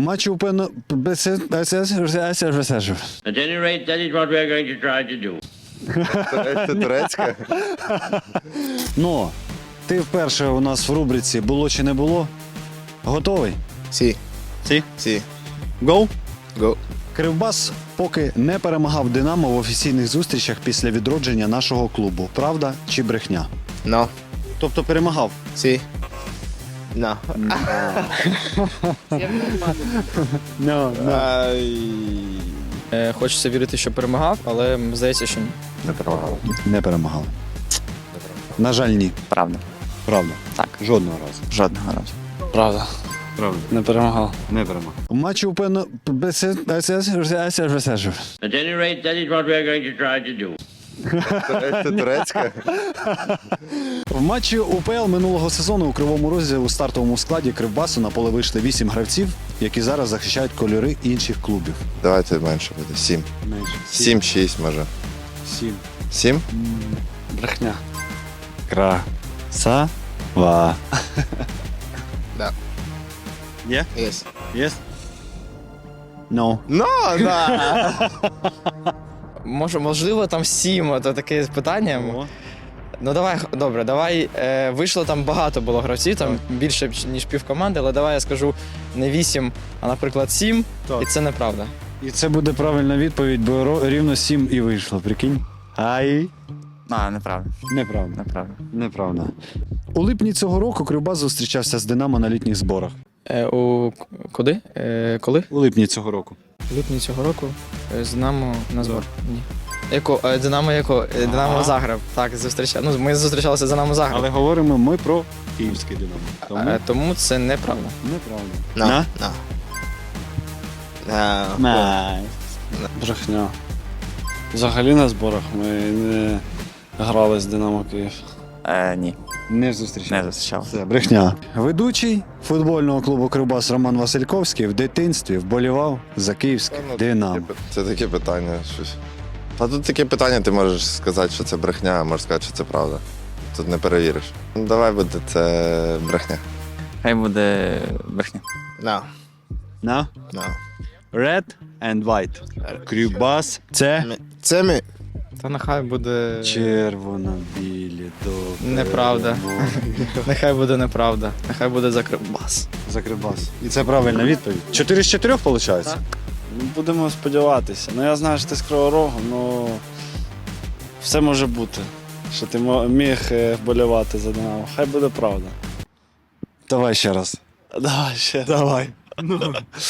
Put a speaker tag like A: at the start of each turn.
A: матчі УПН...
B: At any rate, that is what we are going to try to do.
C: Це турецька?
A: Ну, ти вперше у нас в рубриці «Було чи не було?» Готовий?
C: Сі.
A: Сі?
C: Сі.
A: Гоу?
C: Го.
A: Кривбас поки не перемагав «Динамо» в офіційних зустрічах після відродження нашого клубу. Правда чи брехня?
C: Но.
A: Тобто перемагав?
C: Сі. Но.
D: Хочеться вірити, що перемагав, але здається, що ні.
A: Не перемагали. На жаль, ні.
E: Правда.
A: Правда?
E: Так.
A: Жодного разу.
E: Жодного разу.
D: Правда.
A: Правда.
D: Не перемагав.
A: Не перемагав. У матчі УПН...
B: At any rate, that is what we are going to try to do.
C: Це турецька?
A: В матчі УПЛ минулого сезону у Кривому Розі у стартовому складі Кривбасу на поле вийшли 8 гравців, які зараз захищають кольори інших клубів.
C: Давайте менше буде. 7.
A: Менше.
C: 7-6 може.
A: 7.
C: 7?
D: Брехня.
A: Красава.
C: Да.
A: Є?
C: Єс.
A: Є? No.
C: Но, да.
D: Можливо, там 7, то таке питання. Ну давай, добре, давай. Вийшло там багато було гравців, там більше, ніж півкоманди, але давай я скажу не 8, а, наприклад, 7,
A: Так.
D: і це неправда.
A: І це буде правильна відповідь, бо рівно 7 і вийшло, прикинь. Ай.
E: Неправда.
A: Неправда.
E: Неправда.
A: Неправда. У липні цього року Кривбас зустрічався з «Динамо» на літніх зборах.
D: Куди? Коли?
A: У липні цього року.
D: В липні цього року з Динамо на збор. Ні. Динамо Загреб. Так, зустрічали. Ну, ми зустрічалися з Динамо Загреб.
A: Але говоримо ми про київське «Динамо». Тому
D: Тому це неправда.
A: неправда.
C: Но. Но.
F: Брехня. Взагалі на зборах ми не грали з Динамо Київ.
E: Ні,
A: Не зустрічався.
E: не зустрічав.
A: Це брехня. Ведучий футбольного клубу «Кривбас» Роман Васильковський в дитинстві вболівав за київське «Динамо».
C: Це таке питання. Щось. А тут таке питання, ти можеш сказати, що це брехня, а можеш сказати, що це правда. Тут не перевіриш. Ну, давай буде це брехня.
E: Хай буде брехня.
C: No.
A: На?
C: No.
A: Red and white. Кривбас – це
C: Це ми.
D: Та нехай буде.
A: червоно-білі до
D: Неправда.
A: перемоги.
D: Нехай буде неправда. Нехай буде за Кривбас.
A: За Кривбас. І це правильна відповідь. 4 з 4 виходить?
D: Так.
F: Ну, будемо сподіватися. Ну я знаю, що ти з Кривого Рогу, ну все може бути. Що ти міг вболівати за Динамо. Хай буде правда.
A: Давай ще раз.
F: Давай ще.
A: Давай.